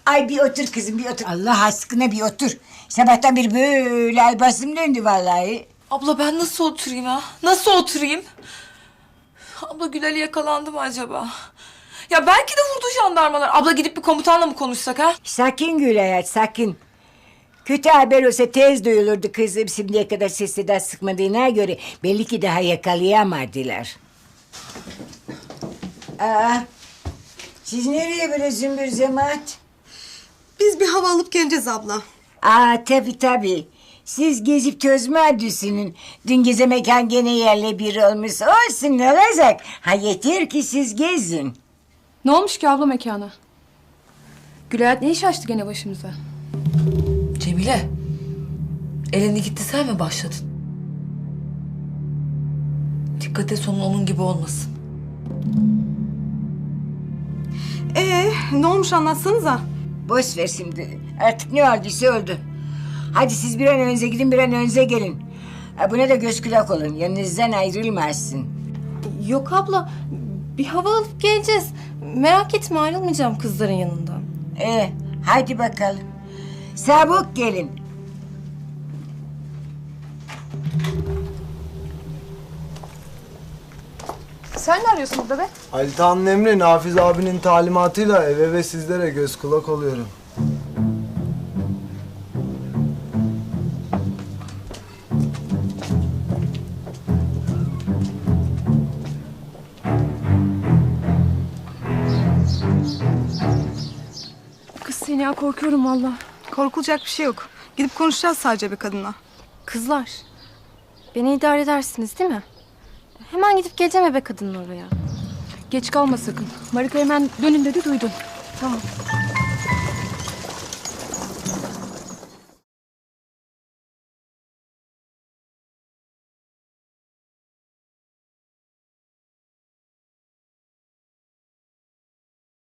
Ay bir otur kızım bir otur. Allah aşkına bir otur. Sabahtan beri böyle ay basım döndü vallahi. Abla ben nasıl oturayım ha? Nasıl oturayım? Abla Gülal'e yakalandı mı acaba? Ya belki de vurdu jandarmalar. Abla gidip bir komutanla mı konuşsak ha? Sakin Gül hayat sakin. Kötü haber olsa tez duyulurdu kızım. Şimdiye kadar ses seda sıkmadığına göre belli ki daha yakalayamadılar. Aa, siz nereye böyle zümbür cemaat? Biz bir hava alıp geleceğiz abla. Aa tabii. Siz gezip tozma düşünün. Dün gece mekan gene yerle bir olmuş. Olsun ne olacak? Ha yeter ki siz gezin. Ne olmuş ki abla mekana? Gülayat ne iş açtı gene başımıza? Cemile. Eleni gitti sen mi başladın? Dikkat et sonun onun gibi olmasın. Ne olmuş anlatsanıza. Boş ver şimdi. Artık ne olduysa oldu. Hadi siz bir an önce gidin bir an önce gelin. Ha, buna da göz kulak olun. Yanınızdan ayrılmazsın. Yok abla, bir hava alıp geleceğiz. Merak etme, ayrılmayacağım kızların yanından. Hadi bakalım. Çabuk gelin. Sen ne arıyorsun burada be? Halit Ağa'nın emri Nafiz abinin talimatıyla eve ve sizlere göz kulak oluyorum. Kız seni ya, korkuyorum valla. Korkulacak bir şey yok. Gidip konuşacağız sadece bir kadınla. Kızlar, beni idare edersiniz değil mi? Hemen gidip geleceğim ebe kadının oraya. Geç kalma sakın. Marika hemen dönün dedi, duydun. Tamam.